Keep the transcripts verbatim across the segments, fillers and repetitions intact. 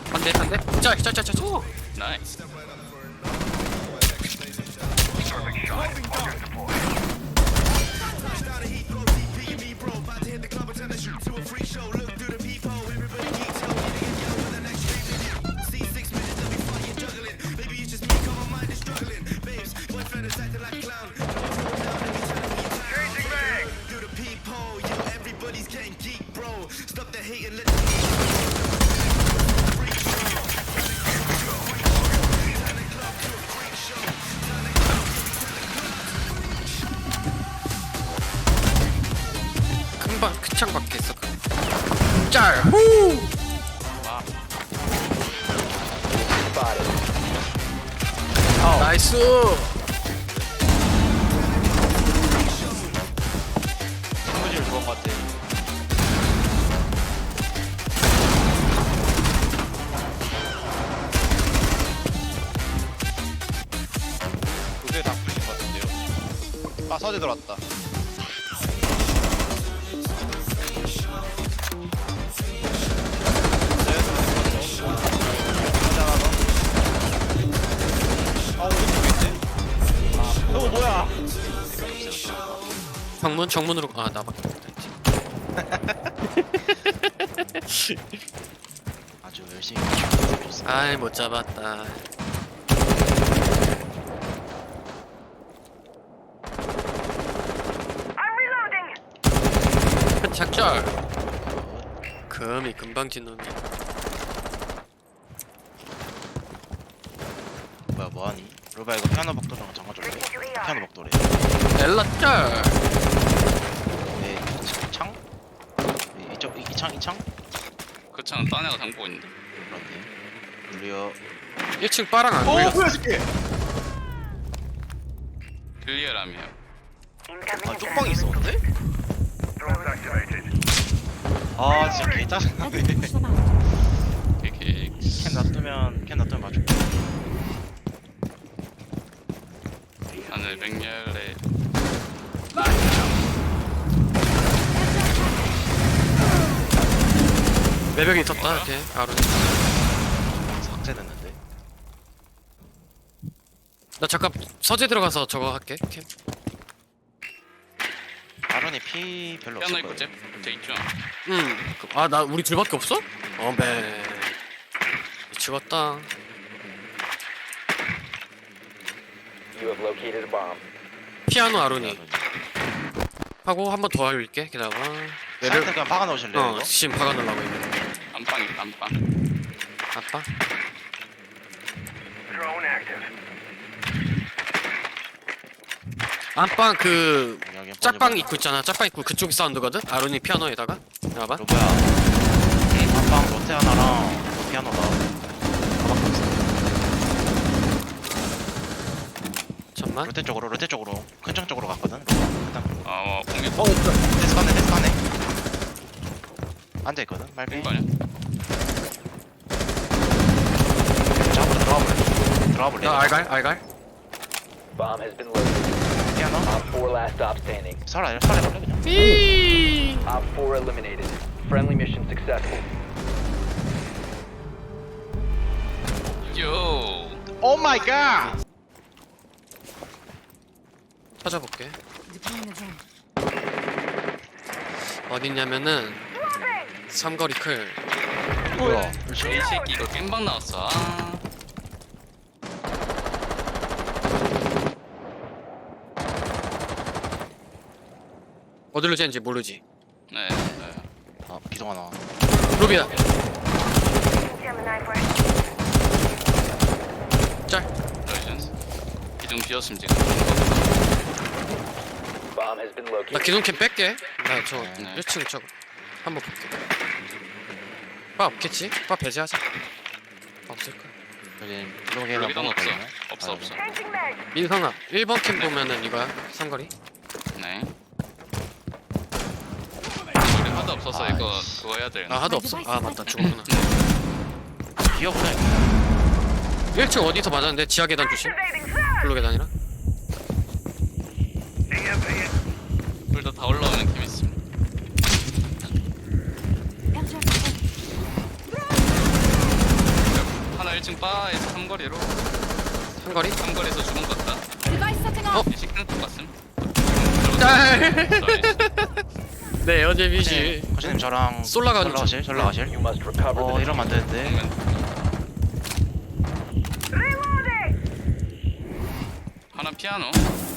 한대 한대. 짤짤짤짤. 오. 나이스. 금방 그창 밖에 있어. 짤. 후. 와. 나이스. 친구질 그런 것 같아. 두개 다 풀린 것 같은데요. 아 서재 들어왔다. 어 뭐야? 정문 정문으로. 아 나밖에 없다. 아주 열심히 해줬어. 아이 못 잡았다. 작절. 금이 금방 짓는데. 뭐야 뭐하니? 로바 이거 피아노 복도랑 잠가줄래? 피아노 복도래. 엘라 짤. 네, 이 창? 네, 이쪽 이, 이 창? 이 창? 그 차는 딴 애가 담고 있는데. 그렇네. 물려. 일 층 빠랑 안 어 걸렸어. 뭐야 새끼! 클리어라며. 아 뚝방이 있었는데? 아 진짜 개 짜증나네. 이렇게 캔 놔두면 캔 놔두면 맞출게. 하늘 맹렬에 매벽이 있었다. 이렇게 아론. 삭제됐는데. 나 잠깐 서재 들어가서 저거 할게. 캠. 아론이 피 별로 피아노 없을 있고 거예요. 쟤 쟤 있죠. 응. 아 나 우리 둘밖에 없어? 어메. 미치겠다. You have located a bomb. 피아노 아론이 하고 한 번 더 할게. 기다려. 매력 매벽. 그냥 박아 놓으실래요 어 이거? 지금 박아 놓으려고 있네. 안방 있다 안방. 아빠. Drone active. 안방 그 여기 한번 짝방 해봐. 입구 있잖아. 짝방 입구 그쪽이 사운드거든. 아론이 피아노에다가. 봐봐. 로바야. 안방 로테 하나랑 피아노다. 가방 없어. 잠만. 로테 쪽으로 로테 쪽으로 큰 창 쪽으로 갔거든. 일단 어 공개 어 데스 가네 데스 가네. 앉아 있거든. 말비. 거냐? 자 앞으로 들어와 볼래? 들어와 볼래? 나 알갈 알갈. Bomb has been located. 피아노. Op four last stop standing. 설아 설아 볼래 그냥. 삐. Op four eliminated. Friendly mission successful. 요. 오 마이 갓. 찾아볼게. 어딨냐면은 삼거리 클. 뭐야? 이 새끼 이거 겜방 나왔어. 아. 어디로 쟤는지 모르지. 네. 네. 아 기동 하나. 루비야. 짤. 레전스. 기둥 비었음 지금. Bomb has been 나 located. 기둥캠 뺄게. 나 저 네. 일 층 저거 한번 볼게. 빠 없겠지? 빠 배제하자. 없을 거야. 여기 블록에랑 여기도 없어. 없어 없어. 민성아 일 번 캠 보면은 이거야. 삼거리. 네. 우리 하도 없어서 아, 이거 씨. 그거 해야 되나? 아 하도 없어. 아 맞다 죽었구나. 기억나. 일 층 어디서 맞았는데 지하 계단 조심. 블루 계단이랑. 불도 다 올라오는 느낌 있습니다. 층 바에서 삼거리로 한거리? 삼거리에서 주문 갔다. Device setting off. 이 식당 쪽 갔음. 짤! 네 어제비시 코치님 저랑 솔라 가는 솔라 가실? 솔라 가실? You must recover 어 the 이러면 안 되는데. 하나 피아노.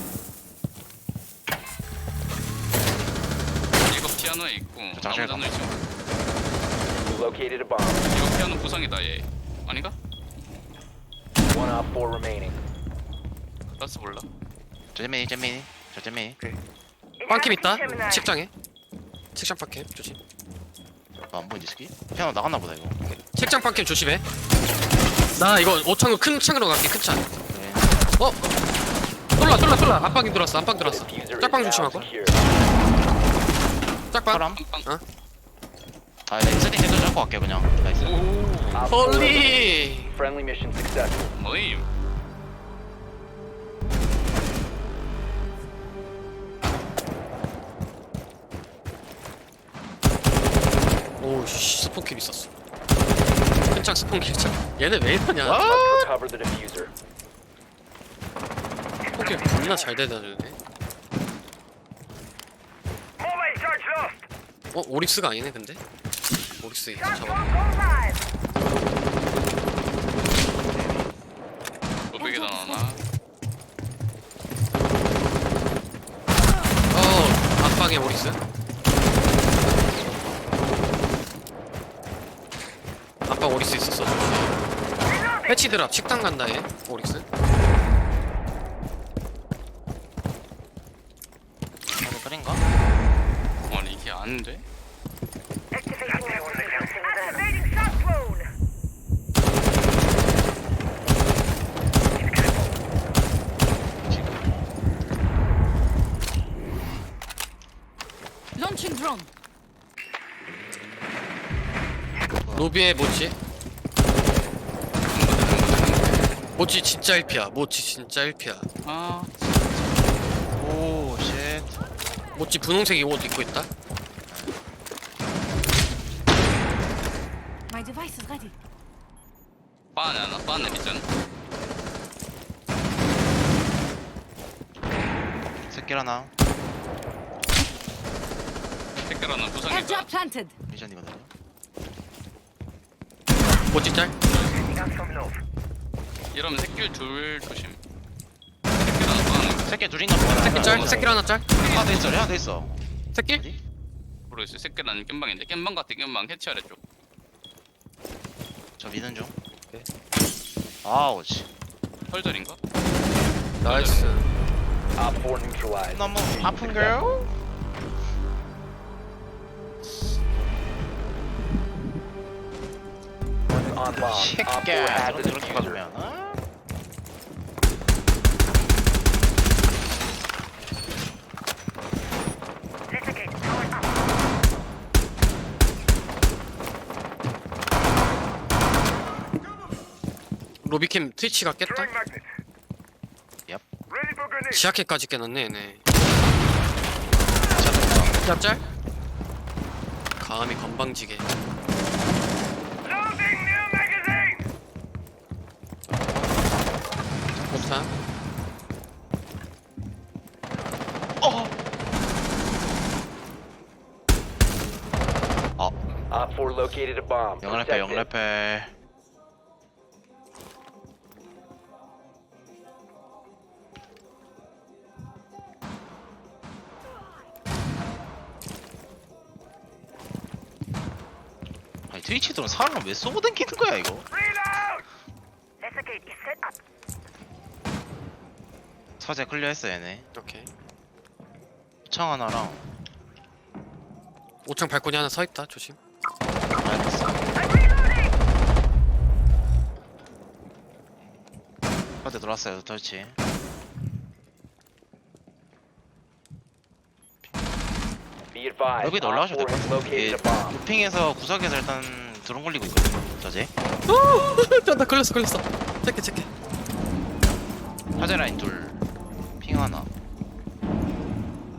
이거 피아노에 있고 저 장실 나머지는 있죠. You located a bomb. 이거 피아노 부상이다 얘. 아닌가? One op four remaining. 라스 몰라. 저 잼민이 잼민이 저 잼민이. 빵캠 있다 책장에 책장 빵캠 조심 어, 안 보이지 스키? 피아노 나갔나 보다 이거. 책장 빵캠 조심해 나 이거 오 창으로 큰 창으로 갈게 큰창 네. 어? 쏠라 쏠라 쏠라 안방이 들어왔어 안방 들어왔어 Diffuser is 짝방 now 조심하고 secure. 짝방 사람? 빵빵. 아 네. 세팅 제대로 잡고 갈게요 그냥. 나이스. 오. Op four 홀리 friendly mission successful. 뭐임? 오씨 스폰킬 있었어 큰창 스폰킬 창 얘네 왜 이러냐 Must recover the diffuser. 스폰킬 겁나 잘 대다주네 어? 오릭스가 아니네 근데? 오릭스 이제 잡아 오백에다 나나. 어 안방에 오릭스 안방 오릭스 있었어 패치 드랍 식당 간다 얘 오릭스 이거 끓인가? 아니 이게 안 돼? Launching drone. 로비에 모찌 모찌 진짜 일 피야 모찌 진짜 일 피야 아 오 쉣. 모찌 분홍색 옷 입고 있다 My device is ready. 바네 하나 바네 미션. 새끼 하나. 택배로 하나 부상이다. Airdrop planted. 미션이거든요. 모찌 짤 이러면 새끼 둘 조심. 새끼 하나 바는 새끼 둘인가 보다. 새끼 짤 새끼 하나 짤 하나 더 있어. 하나 더 있어. 새끼 어디? 모르겠어. 새끼는 겜방인데 겜방 같아 겜방 해치 아래쪽. 저 미는 중. 오케이. 아우 씨. 펄절인가? 나이스 Op four neutralized. 너무 Mission 아픈가요? successful. On bomb. Op four 새끼야. has the 저렇게 diffuser. 박으면. 어? 로비캠 트위치가 깼다 얍. 지하캐까지 깨놨네 얘네 짭짤 감히 건방지게 폭탄 Op four located a bomb. 영래패 Protect it. 영래패. 아니 트위치 들은 사람을 왜 쏘고 댕기는 거야 이거? 서재 클리어했어 얘네. 오케이 창 하나랑 오창 발코니 하나 서있다 조심 알겠어. 어디 들어왔어요 터치. Be advised. 여기 Op 올라가셔도 four 될 has 것 같아. located 이게 a bomb. 도핑에서 구석에서 일단 드론 걸리고 있거든요. 저제. 나 걸렸어 걸렸어 체크 체크 화재 라인 둘. 핑 하나.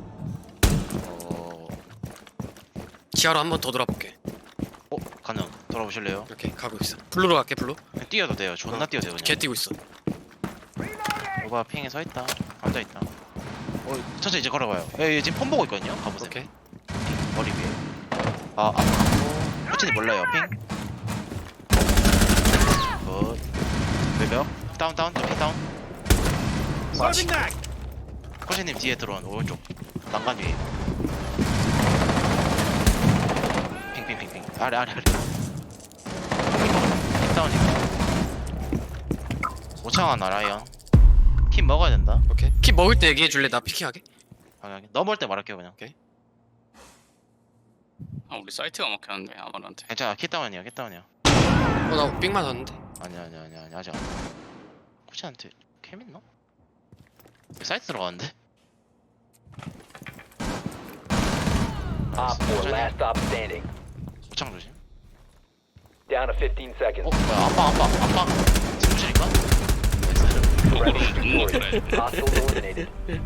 어, 지하로 한 번 더 돌아볼게 어 가능. 돌아보실래요? 오케이 가고 있어. 블루로 갈게 블루. 그냥 뛰어도 돼요. 존나 어, 뛰어도 돼요. 걔 그냥. 뛰고 있어. 오바 핑에 서 있다. 앉아 있다. 어, 천천히 이제 걸어봐요. 예, 예, 지금 폰 보고 있거든요. 가보세요. 오케이. 핑 머리 위에. 아, 앞 갔고. 코치님 몰라요. 핑. 굿. 외벽. 다운 다운 핑 다운. 코치님 뒤에 들어온 오른쪽 난간 위에. 핑핑핑핑. 아래 아래 아래. 핑 다운이고. 오창 하나 라이언. 킴 먹어야 된다. 오케이. 키 먹을 때 얘기해 줄래? 나 피킹하게. 방향이. 넘어올 때 말할게요 그냥. 아 우리 사이트가 막혔는데 아마한테. 괜찮아. 키 다운이야. 키 다운이야. 어나 삥 맞았는데. 아니야 아니야 아니야 아니야 아직 안. 코치한테 캠 있나? 왜 사이트 들어가는데? Op four, last stop standing. 오창 조심. Down to fifteen seconds. 어 뭐야 안방 안방 안방 사무실인가? Friendly 눈물 victorious. 그래. Hostiles eliminated.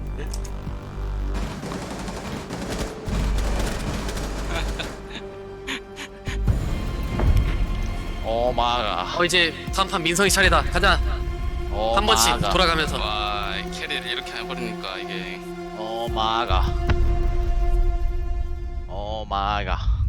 오마가 어 이제 다음 판 민성이 차례다. 가자. 한 번씩 돌아가면서. 와 캐리를 이렇게 해버리니까 이게 오마가 오마가